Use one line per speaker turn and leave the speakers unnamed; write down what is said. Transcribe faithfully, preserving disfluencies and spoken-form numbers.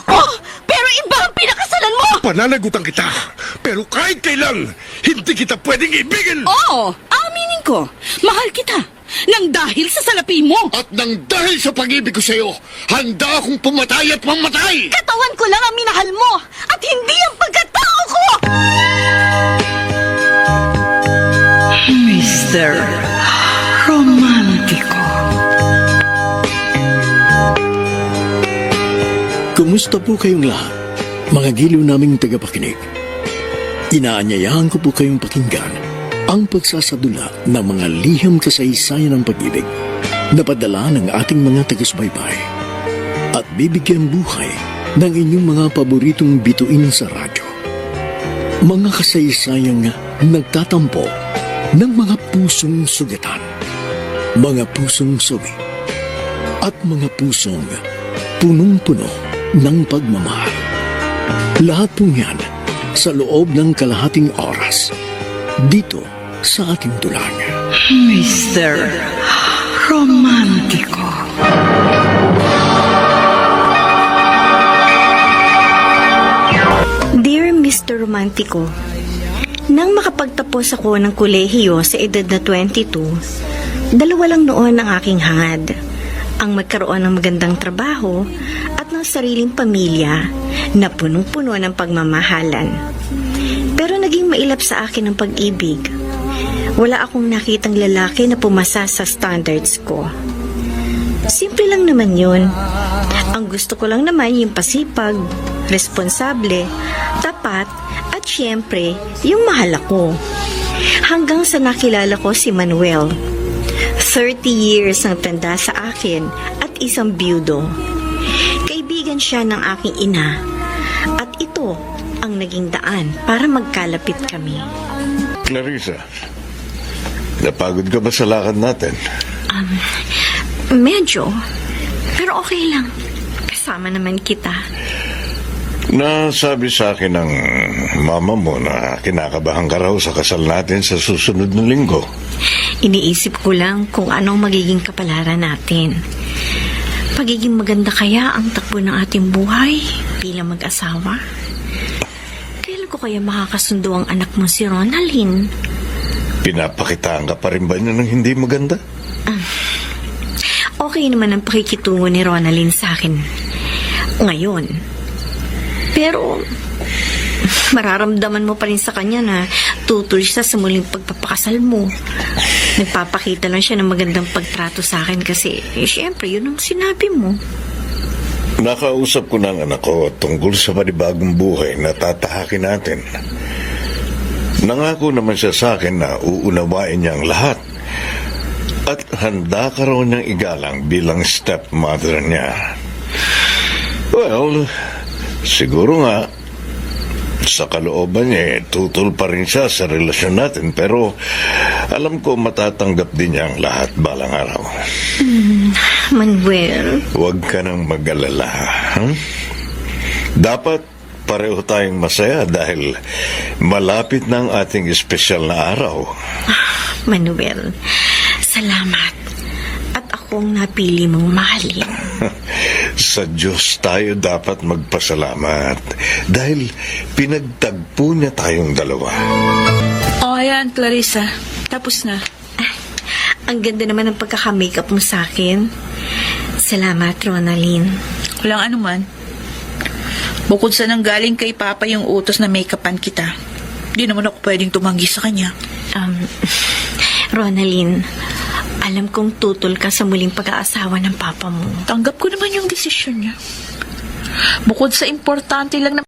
Oh, pero iba ang pinakasalan mo!
Pananagutan kita, pero kahit kailan, hindi kita pwedeng ibigin!
Oo, aminin ko. Mahal kita. Nang dahil sa salapi mo.
At nang dahil sa pag-ibig ko sa'yo, handa akong pumatay at mamatay!
Katawan ko lang ang minahal mo at hindi ang pagkatao ko!
Mister Romantiko.
Kumusta po kayong lahat, mga giliw naming tagapakinig? Inaanyayahan ko po kayong pakinggan ang pagsasadula ng mga liham kasaysayan ng pag-ibig na padala ng ating mga taga-subaybay at bibigyan buhay ng inyong mga paboritong bituin sa radyo. Mga kasaysayang nagtatampo ng mga pusong sugatan, mga pusong sawi, at mga pusong punong-puno ng pagmamahal. Lahat po yan sa loob ng kalahating oras dito sa ating tulang.
Mister Romantiko.
Dear Mister Romantico, nang makapagtapos ako ng kolehiyo sa edad na twenty-two, dalawa lang noon ang aking hangad, ang magkaroon ng magandang trabaho at ng sariling pamilya na punong-puno ng pagmamahalan. Pero naging mailap sa akin ang pag-ibig. Wala akong nakitang lalaki na pumasa sa standards ko. Simple lang naman yun. Ang gusto ko lang naman yung pasipag, responsable, tapat, at syempre, yung mahal ako. Hanggang sa nakilala ko si Manuel. thirty years ang tanda sa akin at isang byudo. Kaibigan siya ng aking ina. At ito ang naging daan para magkalapit kami.
Clarissa, napagod ka ba sa lakad natin?
Um, medyo. Pero okay lang. Kasama naman kita.
Nasabi sa akin ng mama mo na kinakabahan ka raw sa kasal natin sa susunod na linggo.
Iniisip ko lang kung anong magiging kapalaran natin. Pagiging maganda kaya ang takbo ng ating buhay bilang mag-asawa? Kailan ko kaya makakasundo ang anak mo si Ronaldin?
Pinapakitaan ka pa rin ba niya ng hindi maganda?
Uh, okay naman ang pakikitungo ni Ronaldin sa akin ngayon. Pero mararamdaman mo pa rin sa kanya na tutol siya sa muling pagpapakasal mo. Nagpapakita lang siya ng magandang pagtrato sa akin kasi, eh, syempre, yun ang sinabi mo.
Nakausap ko ng anak ko tungkol sa panibagong buhay na tatahakin natin. Nangako naman siya sa akin na uunawain niya ang lahat. At handa ka raw niyang igalang bilang stepmother niya. Well, siguro nga, sa kalooban niya, eh, tutol pa rin siya sa relasyon natin. Pero alam ko matatanggap din niya ang lahat balang araw.
Mm, Manuel.
Huwag ka nang mag-alala. Hmm? Dapat pareho tayong masaya dahil malapit na ang ating espesyal na araw.
Ah, Manuel, salamat. At akong napili mong mahalin.
Sa Diyos tayo dapat magpasalamat dahil pinagtagpo niya tayong dalawa.
O, ayan, Clarissa. Tapos na.
Ah, ang ganda naman ng pagkaka-makeup mo sa akin. Salamat, Ronaldin.
Walang anuman. Bukod sa nanggaling kay Papa yung utos na make-upan kita, di naman ako pwedeng tumanggi sa kanya.
Um, Ronaldin, alam kong tutol ka sa muling pag-aasawa ng Papa mo.
Tanggap ko naman yung desisyon niya. Bukod sa importante lang na